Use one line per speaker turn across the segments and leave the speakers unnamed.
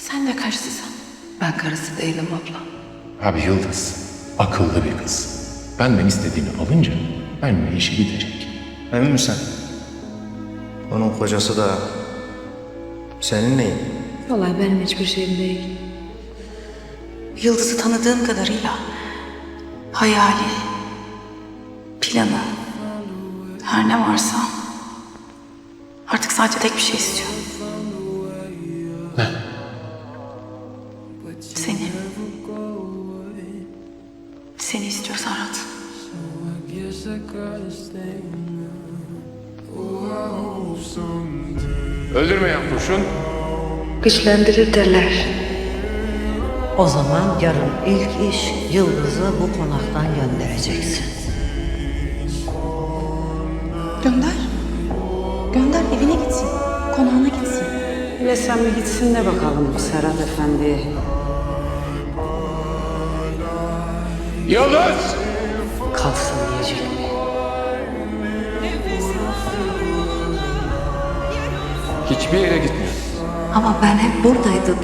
Sen de karısısın. Ben karısı değilim abla.
Abi Yıldız, akıllı bir kız. Benden istediğini alınca benimle işi bitecek.
Emin misin? Onun kocası da senin neyin?
Vallahi benim hiçbir şeyim değil. Yıldız'ı tanıdığım kadarıyla hayali, planı, her ne varsa artık sadece tek bir şey istiyor.
Ne?
Seni. Seni istiyor Serhat.
Öldürmeyen kurşun.
Güçlendirir derler.
O zaman yarın ilk iş Yıldız'ı bu konaktan göndereceksin.
Gönder. Gönder evine gitsin. Konağına gitsin.
Hele sen bir gitsin de bakalım Serhat Efendi.
Yıldız!
Kalsın diyecek mi?
Hiçbir yere gitmiyor.
Ama ben hep buradaydım.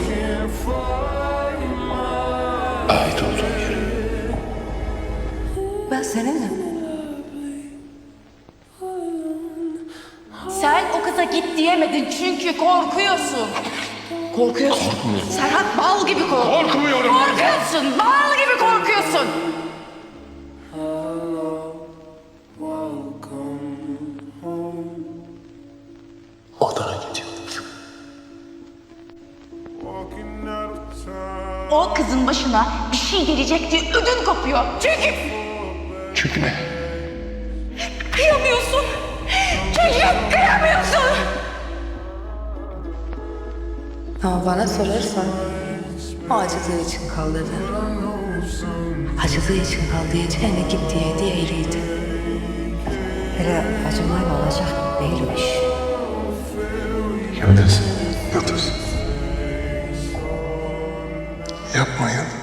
Ait olduğum yere.
Ben seninle.
Sen o kıza git diyemedin çünkü korkuyorsun. Korkuyorsun.
Korkmuyorum.
Serhat bal gibi korkuyor.
Korkmuyorum.
Korkuyorsun. Bal gibi korkuyorsun.
Odana gidiyorum.
O kızın başına bir şey gelecek diye ödün kopuyor.
Çünkü ne?
Kıyamıyorsun. Çünkü kıyamıyorsun.
Ama bana sorarsan o acıdığı için kal dedi. Acıdığı için kal diyeceğine git diye eğriydi.
Hele acımayla olacak değilmiş.
Yıldız. Yıldız. Yapma Yıldız.